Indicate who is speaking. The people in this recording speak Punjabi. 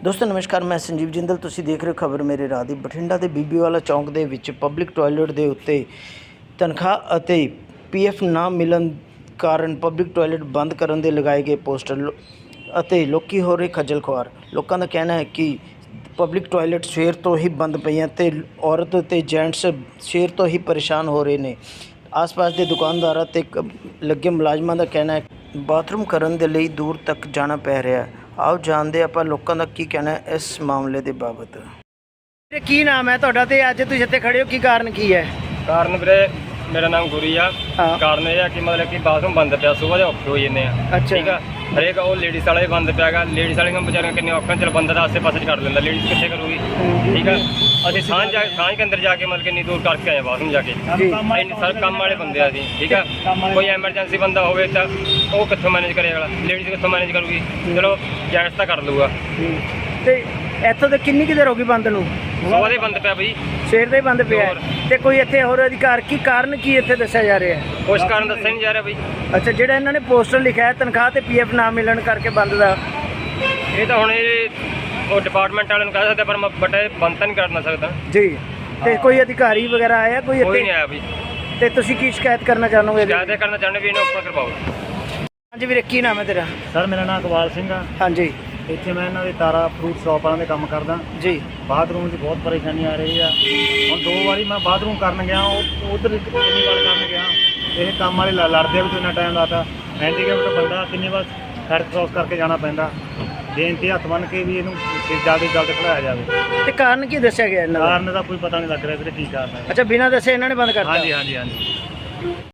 Speaker 1: ਦੋਸਤੋ ਨਮਸਕਾਰ, ਮੈਂ ਸੰਜੀਵ ਜਿੰਦਲ। ਤੁਸੀਂ ਦੇਖ ਰਹੇ ਹੋ ਖਬਰ ਮੇਰੇ ਰਾਹ ਦੀ। ਬਠਿੰਡਾ ਦੇ ਬੀਬੀਵਾਲਾ ਚੌਂਕ ਦੇ ਵਿੱਚ ਪਬਲਿਕ ਟਾਇਲਟ ਦੇ ਉੱਤੇ ਤਨਖਾਹ ਅਤੇ ਪੀਐਫ ਨਾ ਮਿਲਣ ਕਾਰਨ ਪਬਲਿਕ ਟਾਇਲਟ ਬੰਦ ਕਰਨ ਦੇ ਲਗਾਏ ਗਏ ਪੋਸਟਰ ਅਤੇ ਲੋਕੀ ਹੋ ਰਹੇ ਖੱਜਲ ਖੁਆਰ। ਲੋਕਾਂ ਦਾ ਕਹਿਣਾ ਹੈ ਕਿ ਪਬਲਿਕ ਟਾਇਲਟ ਸਵੇਰ ਤੋਂ ਹੀ ਬੰਦ ਪਈਆਂ ਅਤੇ ਔਰਤ ਅਤੇ ਜੈਂਟਸ ਸਵੇਰ ਤੋਂ ਹੀ ਪਰੇਸ਼ਾਨ ਹੋ ਰਹੇ ਨੇ। ਆਸ-ਪਾਸ ਦੇ ਦੁਕਾਨਦਾਰਾਂ ਅਤੇ ਲੱਗੇ ਮੁਲਾਜ਼ਮਾਂ ਦਾ ਕਹਿਣਾ ਹੈ ਬਾਥਰੂਮ ਕਰਨ ਦੇ ਲਈ ਦੂਰ ਤੱਕ ਜਾਣਾ ਪੈ ਰਿਹਾ। ਆਓ ਜਾਣਦੇ ਆਪਾਂ ਲੋਕਾਂ ਦਾ ਕੀ ਕਹਿਣਾ ਹੈ ਇਸ ਮਾਮਲੇ ਦੇ ਬਾਬਤ। ਕੀ ਨਾਮ ਹੈ ਤੁਹਾਡਾ ਤੇ ਅੱਜ ਤੁਸੀਂ ਇੱਥੇ ਖੜੇ ਹੋ, ਕੀ ਕਾਰਨ ਕੀ ਹੈ?
Speaker 2: ਕਾਰਨ ਵੀਰੇ ਮੇਰਾ ਨਾਮ ਗੁਰੀ ਆ। ਕਾਰਨ ਇਹ ਆ ਕਿ ਮਤਲਬ ਕਿ ਬਾਥਰੂਮ ਬੰਦ ਪਿਆ, ਸੁਬਾਹ ਦੇ ਔਖੇ ਹੋ ਜਾਂਦੇ ਆ। ਠੀਕ ਆ, ਹਰੇਕ ਉਹ ਲੇਡੀਜ਼ ਵਾਲਾ ਵੀ ਬੰਦ ਪਿਆ ਗਾ। ਲੇਡੀਜ਼ ਵਾਲੀਆਂ ਵਿਚਾਰੀਆਂ ਕਿੰਨੇ ਔਖੇ, ਚਲ ਬੰਦਾ ਤਾਂ ਆਸੇ ਪਾਸੇ ਕਰ ਲੈਂਦਾ, ਲੇਡੀਜ਼ ਕਿੱਥੇ ਕਰੂਗੀ। ਠੀਕ ਆ, ਅਸੀਂ ਸਾਂਝ ਕੇ ਅੰਦਰ ਜਾ ਕੇ ਮਤਲਬ ਕਿ ਇੰਨੀ ਦੂਰ ਕਰਕੇ ਆਏ ਬਾਥਰੂਮ ਜਾ ਕੇ। ਇੰਨੇ ਸਾਰੇ ਕੰਮ ਵਾਲੇ ਬੰਦੇ ਆ ਅਸੀਂ। ਠੀਕ ਆ, ਕੋਈ ਐਮਰਜੈਂਸੀ ਬੰਦਾ ਹੋਵੇ ਤਾਂ ਉਹ ਕਿੱਥੋਂ ਮੈਨੇਜ ਕਰੇਗਾ, ਲੇਡੀਜ਼ ਕਿੱਥੋਂ ਮੈਨੇਜ ਕਰੂਗੀ। ਚਲੋ ਜੈਂਟਸ ਤਾਂ ਕਰ ਲੂਗਾ।
Speaker 1: ਤੇ ਇੱਥੋਂ ਤੇ ਕਿੰਨੀ ਕੁ ਦੇਰ ਹੋ ਗਈ ਬੰਦ ਨੂੰ?
Speaker 2: ਸੁਬਾਹ ਦੇ ਬੰਦ ਪਿਆ ਬਈ,
Speaker 1: ਸਵੇਰ ਦਾ ਹੀ ਬੰਦ ਪਿਆ। ਤੇ ਕੋਈ ਇੱਥੇ ਹੋਰ ਅਧਿਕਾਰ ਕੀ ਕਾਰਨ ਕੀ ਇੱਥੇ ਦੱਸਿਆ ਜਾ ਰਿਹਾ ਹੈ?
Speaker 2: ਕੁਛ ਕਾਰਨ ਦੱਸਿਆ ਨਹੀਂ ਜਾ ਰਿਹਾ ਬਈ।
Speaker 1: ਅੱਛਾ, ਜਿਹੜਾ ਇਹਨਾਂ ਨੇ ਪੋਸਟਰ ਲਿਖਿਆ ਹੈ ਤਨਖਾਹ ਤੇ ਪੀਐਫ ਨਾ ਮਿਲਣ ਕਰਕੇ ਬੰਦ ਦਾ,
Speaker 2: ਇਹ ਤਾਂ ਹੁਣ ਉਹ ਡਿਪਾਰਟਮੈਂਟ ਵਾਲਿਆਂ ਨੂੰ ਕਹਿ ਸਕਦੇ, ਪਰ ਮੈਂ ਬਟ ਇਹ ਬੰਦ ਤਾਂ ਨਹੀਂ ਕਰਨਾ ਸਕਦਾ
Speaker 1: ਜੀ। ਤੇ ਕੋਈ ਅਧਿਕਾਰੀ ਵਗੈਰਾ ਆਇਆ ਕੋਈ ਇੱਥੇ?
Speaker 2: ਕੋਈ ਨਹੀਂ ਆਇਆ ਬਈ।
Speaker 1: ਤੇ ਤੁਸੀਂ ਕੀ ਸ਼ਿਕਾਇਤ ਕਰਨਾ ਚਾਹੋਗੇ?
Speaker 2: ਸ਼ਿਕਾਇਤ ਕਰਨਾ ਚਾਹੁੰਦੇ ਵੀ ਇਹਨੂੰ ਉੱਪਰ ਕਰਵਾਓ।
Speaker 1: ਹਾਂਜੀ ਵੀਰੇ, ਕੀ ਨਾਮ ਹੈ ਤੇਰਾ?
Speaker 3: ਸਰ ਮੇਰਾ ਨਾਮ ਇਕਬਾਲ ਸਿੰਘ ਆ।
Speaker 1: ਹਾਂਜੀ
Speaker 3: ਇੱਥੇ ਮੈਂ ਇਹਨਾਂ ਦੇ ਤਾਰਾ ਫਰੂਟ ਸ਼ਾਪ ਵਾਲਿਆਂ ਦੇ ਕੰਮ ਕਰਦਾ
Speaker 1: ਜੀ।
Speaker 3: ਬਾਥਰੂਮ 'ਚ ਬਹੁਤ ਪਰੇਸ਼ਾਨੀ ਆ ਰਹੀ ਆ। ਹੁਣ 2 ਵਾਰੀ ਮੈਂ ਬਾਥਰੂਮ ਕਰਨ ਗਿਆ, ਉਧਰ ਕਿੰਨੀ ਵਾਰ ਕਰਨ ਗਿਆ, ਇਹ ਕੰਮ ਵਾਲੇ ਲੜਦੇ ਵੀ ਤੂੰ ਇੰਨਾ ਟਾਈਮ ਲਾਤਾ। ਹੈਂਡੀਕੈਪਟ ਬੰਦਾ ਕਿੰਨੀ ਵਾਰ ਸੜਕ ਕ੍ਰੋਸ ਕਰਕੇ ਜਾਣਾ ਪੈਂਦਾ। ਬੇਨਤੀ ਹੱਥ ਬੰਨ੍ਹ ਕੇ ਵੀ ਇਹਨੂੰ ਜਲਦੀ ਖੜਾਇਆ ਜਾਵੇ।
Speaker 1: ਤੇ ਕਾਰਨ ਕੀ ਦੱਸਿਆ ਗਿਆ ਇਹਨਾਂ ਦਾ?
Speaker 3: ਕਾਰਨ ਦਾ ਕੋਈ ਪਤਾ ਨਹੀਂ ਲੱਗ ਰਿਹਾ ਵੀਰੇ, ਕੀ ਕਾਰਨ ਹੈ।
Speaker 1: ਅੱਛਾ, ਬਿਨਾਂ ਦੱਸੇ ਇਹਨਾਂ ਨੇ ਬੰਦ ਕਰਤਾ?
Speaker 3: ਹਾਂਜੀ।